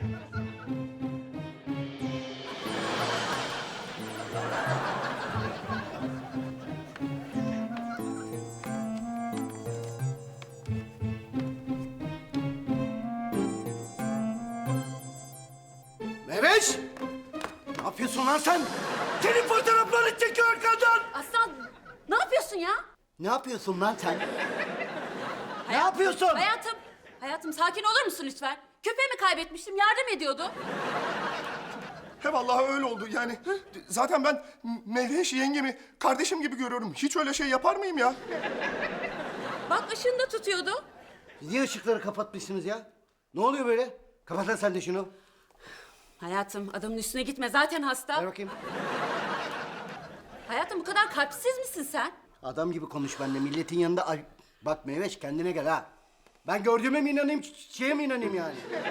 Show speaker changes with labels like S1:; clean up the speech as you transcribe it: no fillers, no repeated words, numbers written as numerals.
S1: Meveş! Ne yapıyorsun lan sen? Senin fotoğraflarını çekiyor arkandan!
S2: Aslan ne yapıyorsun ya?
S1: Ne yapıyorsun lan sen? Ne yapıyorsun?
S2: Hayatım sakin olur musun lütfen? Köpeğimi kaybetmiştim, yardım ediyordu.
S3: He vallahi öyle oldu yani. Zaten ben Meyveş yengemi kardeşim gibi görüyorum. Hiç öyle şey yapar mıyım ya?
S2: Bak ışığını da tutuyordu.
S1: Niye ışıkları kapatmışsınız ya? Ne oluyor böyle? Kapat lan sen de şunu.
S2: Hayatım adamın üstüne gitme, zaten hasta.
S1: Ver bakayım.
S2: Hayatım bu kadar kalpsiz misin sen?
S1: Adam gibi konuş benimle. Milletin yanında... Ay, bak Meveş kendine gel ha. Ben gördüğüme mi inanayım, şeye mi inanayım yani?